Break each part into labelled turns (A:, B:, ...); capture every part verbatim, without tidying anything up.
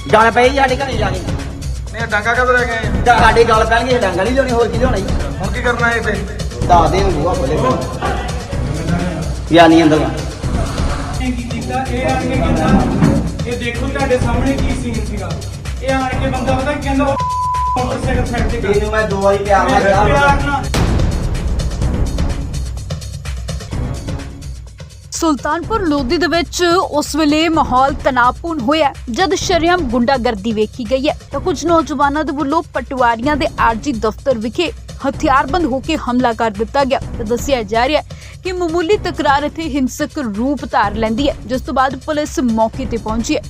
A: गल पई साडे घरे जाके
B: नहीं डांगा कद रह गए
A: साडे गल पैणगे डांगा नहीं लियानी होर की लियाना जी
B: हुण की करना है इत्थे
A: दस दिन बूहा खोले या नहीं अंदर
C: ਇਹ ਦੇਖੋ ਤੁਹਾਡੇ ਸਾਹਮਣੇ ਕੀ ਸੀਨ ਸੀਗਾ ਇਹ ਆਣ ਕੇ ਬੰਦਾ ਪਤਾ ਕੀ ਕਹਿੰਦਾ ਮੋਟਰਸਾਈਕਲ ਸਾਈਡ ਤੇ
A: ਇਹਨੂੰ ਮੈਂ ਦੋ ਵਾਰੀ ਪਿਆਰ ਨਾਲ ਕਿਹਾ
C: ਪਿਆਰ ਨਾਲ
D: ਸੁਲਤਾਨਪੁਰ ਲੋਧੀ ਦੇ ਵਿੱਚ ਉਸ ਵੇਲੇ ਮਾਹੌਲ ਤਣਾਅਪੂਰਨ ਹੋਇਆ ਜਦ ਸ਼ਰੇਆਮ ਗੁੰਡਾਗਰਦੀ ਵੇਖੀ ਗਈ ਹੈ ਤਾਂ ਕੁਝ ਨੌਜਵਾਨਾਂ ਦੇ ਵੱਲੋਂ ਪਟਵਾਰੀਆਂ ਦੇ ਆਰਜੀ ਦਫ਼ਤਰ ਵਿਖੇ ਹਥਿਆਰਬੰਦ ਹੋ ਕੇ ਹਮਲਾ ਕਰ ਦਿੱਤਾ ਗਿਆ ਤੇ ਦੱਸਿਆ ਜਾ ਰਿਹਾ ਹੈ ਕਿ ਮਾਮੂਲੀ ਤਕਰਾਰ ਇੱਥੇ ਹਿੰਸਕ ਰੂਪ ਧਾਰ ਲੈਂਦੀ ਹੈ ਜਿਸ ਤੋਂ ਬਾਅਦ ਪੁਲਿਸ ਮੌਕੇ ਤੇ ਪਹੁੰਚੀ ਹੈ।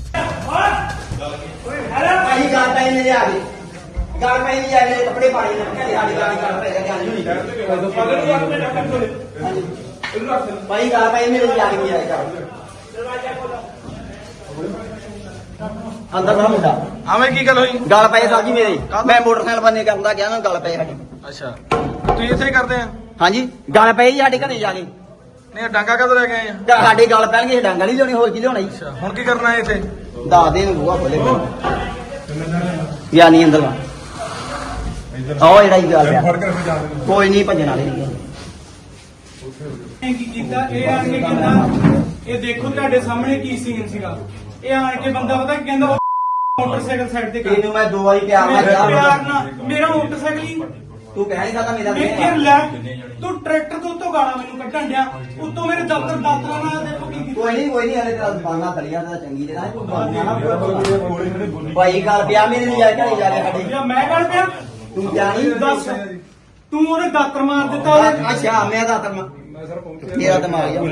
A: ਭਾਈ ਗੱਲ ਪਈ ਮੇਰੇ ਆ ਗਈ ਗੱਲ ਪਈ ਨਹੀਂ ਆਏ ਕੱਪੜੇ ਪਾਣੀ ਨਾ ਸਾਡੀ ਗਾੜੀ ਗੱਲ ਪਈ ਗੱਲ ਨਹੀਂ ਭਾਈ ਗੱਲ ਪਈ ਮੇਰੇ ਆ ਗਈ ਆਏ ਕਰ ਅੰਦਰ ਨਾ ਮੁੰਡਾ
B: ਆਵੇਂ ਕੀ ਗੱਲ ਹੋਈ
A: ਗੱਲ ਪਈ ਸਾਹਿਬ ਜੀ ਮੇਰੇ ਮੈਂ ਮੋਟਰਸਾਈਕਲ ਬੰਨੇ ਕਰਦਾ ਗਿਆ ਨਾ ਗੱਲ ਪਈ ਸਾਡੀ
B: ਅੱਛਾ ਤੁਸੀਂ ਇੱਥੇ ਹੀ ਕਰਦੇ ਆ
A: ਹਾਂਜੀ ਗੱਲ ਪਈ ਸਾਡੇ ਘਰੇ ਜਾ ਕੇ
B: ਨਹੀਂ ਡਾਂਗਾ ਕਦ ਰਹਿ ਗਏ ਆ
A: ਸਾਡੇ ਗੱਲ ਪੈਣਗੇ ਡਾਂਗਾ ਨਹੀਂ ਲਿਆਉਣੀ ਹੋਰ ਕੀ ਲਿਆਉਣਾ ਜੀ
B: ਅੱਛਾ ਹੁਣ ਕੀ ਕਰਨਾ ਹੈ ਇੱਥੇ
A: ਦਸ ਦਿਨ ਬੂਹਾ ਖੋਲੇ ਜਾਂ ਨਹੀਂ ਅੰਦਰ ਵਾ ਆਓ ਜਿਹੜਾ ਹੀ ਗੱਲ ਪਿਆ ਕੋਈ ਨਹੀਂ ਭੱਜਣ ਵਾਲੇ ਨਹੀਂ
C: ਕੀ ਕੀਤਾ ਇਹ ਆਣ ਕੇ ਕਹਿੰਦਾ ਇਹ ਦੇਖੋ ਤੁਹਾਡੇ ਸਾਹਮਣੇ ਕੀ ਸੀਨ ਸੀਗਾ ਇਹ ਆਣ ਕੇ ਬੰਦਾ ਪਤਾ ਕੀ ਕਹਿੰਦਾ ਮੋਟਰਸਾਈਕਲ ਸਾਈਡ ਤੇ
A: ਇਹਨੂੰ ਮੈਂ ਦੋ ਵਾਰੀ ਪਿਆਰ ਨਾਲ
C: ਪਿਆਰ
A: ਕਿਹਾ
C: ਨਾਲ ਮੇਰਾ ਮੋਟਰਸਾਈਕਲ ਹੀ
A: ਤੂੰ ਕਹਿ ਨਹੀਂ ਸਕਦਾ ਮੇਰਾ
C: ਮੈਂ ਫਿਰ ਲੈ ਤੂੰ ਟਰੈਕਟਰ ਤੋਂ ਉੱਤੋਂ ਗਾਲਾਂ ਮੈਨੂੰ ਕੱਢਣ ਡਿਆ ਉੱਤੋਂ ਮੇਰੇ ਦਫ਼ਤਰ ਦਾਤਰਾ ਨਾਲ ਦੇਖੋ ਕੀ ਕੀਤਾ
A: ਕੋਈ ਨਹੀਂ ਕੋਈ ਨਹੀਂ ਹਲੇ ਤਾਂ ਬਾਨਾ ਤਲੀਆਂ ਦਾ ਚੰਗੀ ਜਿਹੜਾ ਤੂੰ ਬਾਨਾ ਨਾ ਭਾਈ ਗੱਲ ਪਿਆ ਮੇਰੇ ਲਈ ਜਾ ਕੇ ਘਰੇ ਜਾ ਕੇ ਸਾਡੇ
C: ਜਾਂ ਮੈਂ ਗੱਲ ਪਿਆ
A: ਤੂੰ ਜਾਣੀ
C: ਦੱਸ ਤੂੰ ਉਹਨੇ ਦਾਤਰ ਮਾਰ ਦਿੱਤਾ ਉਹਨੇ
A: ਅੱਛਾ ਮੈਂ ਦਾ ਤਰ ਤੇਰਾ ਦਿਮਾਗ ਆ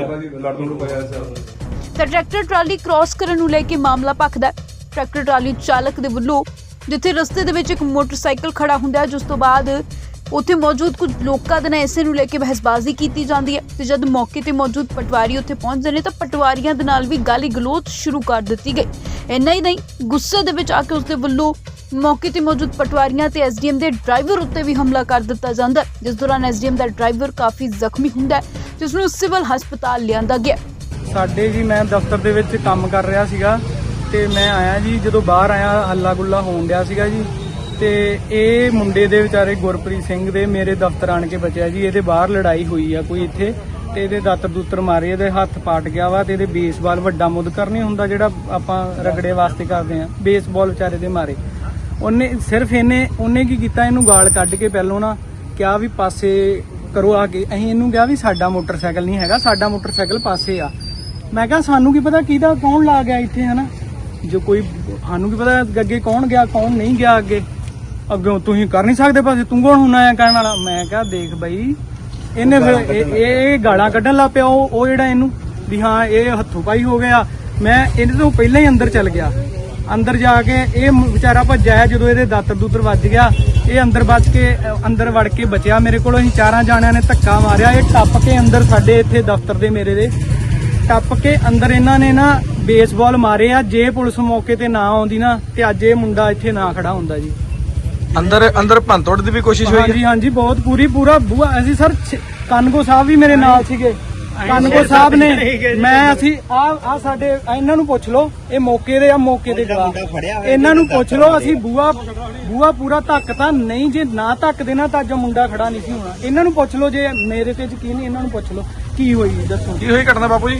D: ਤਾਂ ਟਰੈਕਟਰ ਟਰਾਲੀ ਕ੍ਰਾਸ ਕਰਨ ਨੂੰ ਲੈ ਕੇ ਮਾਮਲਾ ਭਖਦਾ ਹੈ। ਟਰੈਕਟਰ ਟਰਾਲੀ ਚਾਲਕ ਦੇ ਵੱਲੋਂ ਜਿੱਥੇ ਰਸਤੇ ਦੇ ਵਿੱਚ ਇੱਕ ਮੋਟਰਸਾਈਕਲ ਖੜਾ ਹੁੰਦਾ ਹੈ ਜਿਸ ਤੋਂ ਬਾਅਦ ਉੱਥੇ ਮੌਜੂਦ ਕੁਝ ਲੋਕਾਂ ਦੇ ਨਾਲ ਇਸੇ ਨੂੰ ਲੈ ਕੇ ਬਹਿਸਬਾਜ਼ੀ ਕੀਤੀ ਜਾਂਦੀ ਹੈ ਤੇ ਜਦ ਮੌਕੇ ਤੇ ਮੌਜੂਦ ਪਟਵਾਰੀ ਉੱਥੇ ਪਹੁੰਚਦੇ ਨੇ ਤਾਂ ਪਟਵਾਰੀਆਂ ਦੇ ਨਾਲ ਵੀ ਗਾਲੀ ਗਲੋਚ ਸ਼ੁਰੂ ਕਰ ਦਿੱਤੀ ਗਈ। ਇੰਨਾ ਹੀ ਨਹੀਂ ਗੁੱਸੇ ਦੇ ਵਿੱਚ ਆ ਕੇ ਉਸਦੇ ਵੱਲੋਂ ਮੌਕੇ ਤੇ ਮੌਜੂਦ ਪਟਵਾਰੀਆਂ ਤੇ ਐਸਡੀਐਮ ਦੇ ਡਰਾਈਵਰ ਉੱਤੇ ਵੀ ਹਮਲਾ ਕਰ ਦਿੱਤਾ ਜਾਂਦਾ ਹੈ ਜਿਸ ਦੌਰਾਨ ਐਸਡੀਐਮ ਦਾ ਡਰਾਈਵਰ ਕਾਫੀ ਜ਼ਖਮੀ ਹੁੰਦਾ ਹੈ ਜਿਸ ਨੂੰ ਸਿਵਲ ਹਸਪਤਾਲ ਲਿਆਂਦਾ ਗਿਆ।
C: ਸਾਡੇ ਜੀ ਮੈਂ ਦਫ਼ਤਰ ਦੇ ਵਿੱਚ ਕੰਮ ਕਰ ਰਿਹਾ ਸੀਗਾ ਤੇ ਮੈਂ ਆਇਆ ਜੀ ਜਦੋਂ ਬਾਹਰ ਆਇਆ ਹੱਲਾ ਗੁੱਲਾ ਹੋਣ ਡਿਆ ਸੀਗਾ ਜੀ ਤੇ ਇਹ ਮੁੰਡੇ ਦੇ ਵਿਚਾਰੇ ਗੁਰਪ੍ਰੀਤ ਸਿੰਘ ਦੇ ਮੇਰੇ ਦਫ਼ਤਰ ਆਣ ਕੇ ਬਚਿਆ ਜੀ ਇਹਦੇ ਬਾਹਰ ਲੜਾਈ ਹੋਈ ਆ ਕੋਈ ਇੱਥੇ ਤੇ ਇਹਦੇ ਦਾਤਰ ਦੂਤਰ ਮਾਰੇ ਇਹਦੇ ਹੱਥ ਪਾਟ ਗਿਆ ਵਾ ਤੇ ਇਹਦੇ ਬੇਸਬਾਲ ਵੱਡਾ ਮੁੱਦਕਰ ਨਹੀਂ ਹੁੰਦਾ ਜਿਹੜਾ ਆਪਾਂ ਰਗੜੇ ਵਾਸਤੇ ਕਰਦੇ ਆ ਬੇਸਬਾਲ ਵਿਚਾਰੇ ਦੇ ਮਾਰੇ ਉਹਨੇ ਸਿਰਫ ਇਹਨੇ ਉਹਨੇ ਕੀ ਕੀਤਾ ਇਹਨੂੰ ਗਾਲ ਕੱਢ ਕੇ ਪਹਿਲੋਂ ਨਾ ਕਿਹਾ ਵੀ ਪਾਸੇ ਕਰੋ ਆ ਕੇ ਅਸੀਂ ਇਹਨੂੰ ਕਿਹਾ ਵੀ ਸਾਡਾ ਮੋਟਰਸਾਈਕਲ ਨਹੀਂ ਹੈਗਾ ਸਾਡਾ ਮੋਟਰਸਾਈਕਲ ਪਾਸੇ ਆ ਮੈਂ ਕਿਹਾ ਸਾਨੂੰ ਕੀ ਪਤਾ ਕਿਹਦਾ ਕੌਣ ਲਾ ਗਿਆ ਇੱਥੇ ਹਨਾ ਜੋ ਕੋਈ ਸਾਨੂੰ ਕੀ ਪਤਾ ਅੱਗੇ ਕੌਣ ਗਿਆ ਕੌਣ ਨਹੀਂ ਗਿਆ ਅੱਗੇ ਅੱਗੇ ਤੁਸੀਂ ਕਰ ਨਹੀਂ ਸਕਦੇ ਪਾਸੇ ਤੂੰ ਕੌਣ ਹੁਣਾ ਆ ਕਹਿਣ ਵਾਲਾ ਮੈਂ ਕਿਹਾ ਦੇਖ ਬਈ ਇਹਨੇ ਫਿਰ ਇਹ ਗਾਲਾਂ ਕੱਢਣ ਲੱਗ ਪਿਆ ਉਹ ਉਹ ਜਿਹੜਾ ਇਹਨੂੰ ਵੀ ਹਾਂ ਇਹ ਹੱਥੋਂ ਪਾਈ ਹੋ ਗਿਆ ਮੈਂ ਇਹਦੇ ਤੋਂ ਪਹਿਲਾਂ ਹੀ ਅੰਦਰ ਚੱਲ ਗਿਆ ਅੰਦਰ ਜਾ ਕੇ ਇਹ ਵਿਚਾਰਾ ਭੱਜਿਆ ਜਦੋਂ ਇਹਦੇ ਦਾਤਰ ਦੂਤਰ ਵੱਜ ਗਿਆ ਇਹ ਅੰਦਰ ਬਚ ਕੇ ਅੰਦਰ ਵੜ ਕੇ ਬਚਿਆ ਮੇਰੇ ਕੋਲ ਅਸੀਂ ਚਾਰਾਂ ਜਾਣਿਆਂ ਨੇ ਧੱਕਾ ਮਾਰਿਆ ਇਹ ਟੱਪ ਕੇ ਅੰਦਰ ਸਾਡੇ ਇੱਥੇ ਦਫ਼ਤਰ ਦੇ ਮੇਰੇ ਦੇ ਟੱਪ ਕੇ ਅੰਦਰ ਇਹਨਾਂ ਨੇ ਨਾ ਬੇਸਬਾਲ ਮਾਰੇ ਆ ਜੇ ਪੁਲਿਸ ਮੌਕੇ ਤੇ ਨਾ ਆਉਂਦੀ ਨਾ ਤੇ ਅੱਜ ਇਹ ਮੁੰਡਾ ਇੱਥੇ ਨਾ ਖੜਾ ਹੁੰਦਾ ਜੀ
B: ਅੰਦਰ ਅੰਦਰ ਭੰਤੋੜ ਦੀ ਵੀ ਕੋਸ਼ਿਸ਼ ਹੋਈ
C: ਹਾਂਜੀ ਹਾਂਜੀ ਬਹੁਤ ਪੂਰੀ ਪੂਰਾ ਬੂਆ ਅਸੀਂ ਸਰ ਕਾਨਗੋ ਸਾਹਿਬ ਵੀ ਮੇਰੇ ਨਾਲ ਸੀਗੇ ਕਾਨਗੋ ਸਾਹਿਬ ਨੇ ਮੈਂ ਅਸੀਂ ਆ ਆ ਸਾਡੇ ਇਹਨਾਂ ਨੂੰ ਪੁੱਛ ਲਓ ਇਹ ਮੌਕੇ ਦੇ ਆ ਮੌਕੇ ਦੇ ਜਵਾਬ ਇਹਨਾਂ ਨੂੰ ਪੁੱਛ ਲਓ ਅਸੀਂ ਬੂਆ ਬੂਆ ਪੂਰਾ ਧੱਕ ਤਾਂ ਨਹੀਂ ਜੇ ਨਾ ਧੱਕ ਦੇਣਾ ਤਾਂ ਅੱਜ ਮੁੰਡਾ ਖੜਾ ਨਹੀਂ ਸੀ ਹੋਣਾ ਇਹਨਾਂ ਨੂੰ ਪੁੱਛ ਲਓ ਜੇ ਮੇਰੇ ਤੇ ਯਕੀਨ ਨਹੀਂ ਇਹਨਾਂ ਨੂੰ ਪੁੱਛ ਲਓ ਕੀ ਹੋਈ ਦੱਸੋ
B: ਕੀ ਹੋਈ ਘਟਨਾ ਬਾਪੂ ਜੀ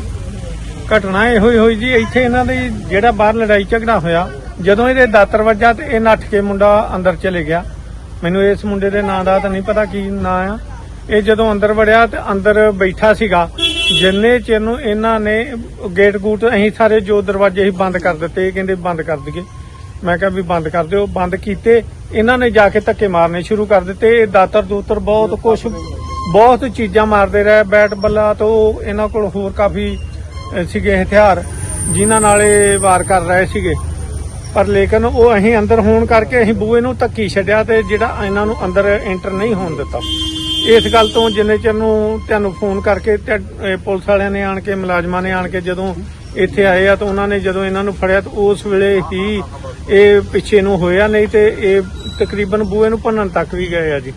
E: ਘਟਨਾ ਇਹੋ ਹੀ ਹੋਈ ਜੀ ਇੱਥੇ ਇਹਨਾਂ ਦੀ ਜਿਹੜਾ ਬਾਹਰ ਲੜਾਈ ਝਗੜਾ ਹੋਇਆ ਜਦੋਂ ਇਹਦੇ ਦਾਤਰ ਵੱਜਾ ਤੇ ਇਹ ਨੱਠ ਕੇ ਮੁੰਡਾ ਅੰਦਰ ਚਲੇ ਗਿਆ ਮੈਨੂੰ ਇਸ ਮੁੰਡੇ ਦੇ ਨਾਂ ਦਾ ਤਾਂ ਨਹੀਂ ਪਤਾ ਕੀ ਨਾਂ ਆ ਇਹ ਜਦੋਂ ਅੰਦਰ ਵੜਿਆ ਤੇ ਅੰਦਰ ਬੈਠਾ ਸੀਗਾ ਜਿੰਨੇ ਚਿਰ ਨੂੰ ਇਹਨਾਂ ਨੇ ਗੇਟ ਗੂਟ ਅਸੀਂ ਸਾਰੇ ਜੋ ਦਰਵਾਜ਼ੇ ਹੀ ਬੰਦ ਕਰ ਦਿੱਤੇ ਇਹ ਕਹਿੰਦੇ ਬੰਦ ਕਰ ਦਈਏ ਮੈਂ ਕਿਹਾ ਵੀ ਬੰਦ ਕਰ ਦਿਓ ਬੰਦ ਕੀਤੇ ਇਹਨਾਂ ਨੇ ਜਾ ਕੇ ਧੱਕੇ ਮਾਰਨੇ ਸ਼ੁਰੂ ਕਰ ਦਿੱਤੇ ਇਹ ਦਾਤਰ ਦੂਤਰ ਬਹੁਤ ਕੁਛ ਬਹੁਤ ਚੀਜ਼ਾਂ ਮਾਰਦੇ ਰਹੇ ਬੈਟ ਬੱਲਾ ਤੋਂ ਇਹਨਾਂ ਕੋਲ ਹੋਰ ਕਾਫੀ ਸੀਗੇ ਹਥਿਆਰ ਜਿਨ੍ਹਾਂ ਨਾਲ ਇਹ ਵਾਰ ਕਰ ਰਹੇ ਸੀਗੇ ਪਰ ਲੇਕਿਨ ਉਹ ਅਸੀਂ ਅੰਦਰ ਹੋਣ ਕਰਕੇ ਅਸੀਂ ਬੂਹੇ ਨੂੰ ਧੱਕੀ ਛੱਡਿਆ ਤੇ ਜਿਹੜਾ ਇਹਨਾਂ ਨੂੰ ਅੰਦਰ ਐਂਟਰ ਨਹੀਂ ਹੋਣ ਦਿੱਤਾ ਇਸ ਗੱਲ ਤੋਂ ਜਿੰਨੇ ਚਿਰ ਨੂੰ ਤੁਹਾਨੂੰ ਫੋਨ ਕਰਕੇ ਪੁਲਿਸ ਵਾਲਿਆਂ ਨੇ ਆਣ ਕੇ ਮੁਲਾਜ਼ਮਾਂ ਨੇ ਆਣ ਕੇ ਜਦੋਂ ਇੱਥੇ ਆਏ ਆ ਤਾਂ ਉਹਨਾਂ ਨੇ ਜਦੋਂ ਇਹਨਾਂ ਨੂੰ ਫੜਿਆ ਤਾਂ ਉਸ ਵੇਲੇ ਹੀ ਇਹ ਪਿੱਛੇ ਨੂੰ ਹੋਇਆ ਨਹੀਂ ਤੇ ਇਹ ਤਕਰੀਬਨ ਬੂਹੇ ਨੂੰ ਭੰਨਣ ਤੱਕ ਵੀ ਗਏ ਆ ਜੀ।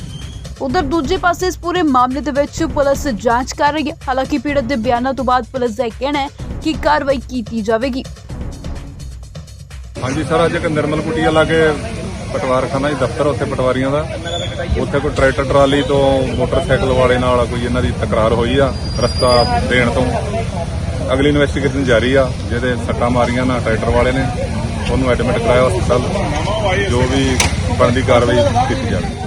D: ਉਧਰ ਦੂਜੇ ਪਾਸੇ ਇਸ ਪੂਰੇ ਮਾਮਲੇ ਦੇ ਵਿੱਚ ਪੁਲਿਸ ਜਾਂਚ ਕਰ ਰਹੀ ਹੈ ਹਾਲਾਂਕਿ ਪੀੜਤ ਦੇ ਬਿਆਨਾਂ ਤੋਂ ਬਾਅਦ ਪੁਲਿਸ ਦਾ ਇਹ ਕਹਿਣਾ ਹੈ ਕਿ ਕਾਰਵਾਈ ਕੀਤੀ ਜਾਵੇਗੀ।
F: ਹਾਂਜੀ ਸਰ, ਅੱਜ ਇੱਕ ਨਿਰਮਲ ਕੁਟੀਆ ਲਾਗੇ ਪਟਵਾਰਖਾਨਾ ਜੀ ਦਫ਼ਤਰ, ਉੱਥੇ ਪਟਵਾਰੀਆਂ ਦਾ, ਉੱਥੇ ਕੋਈ ਟਰੈਕਟਰ ਟਰਾਲੀ ਤੋਂ ਮੋਟਰਸਾਈਕਲ ਵਾਲੇ ਨਾਲ ਕੋਈ ਇਹਨਾਂ ਦੀ ਤਕਰਾਰ ਹੋਈ ਆ ਰਸਤਾ ਦੇਣ ਤੋਂ। ਅਗਲੀ ਇਨਵੈਸਟੀਗੇਸ਼ਨ ਜਾਰੀ ਆ। ਜਿਹਦੇ ਸੱਟਾਂ ਮਾਰੀਆਂ ਨਾ ਟਰੈਕਟਰ ਵਾਲੇ ਨੇ, ਉਹਨੂੰ ਐਡਮਿਟ ਕਰਾਇਆ ਹਸਪਤਾਲ। ਜੋ ਵੀ ਬਣਦੀ ਕਾਰਵਾਈ ਕੀਤੀ ਜਾਵੇ।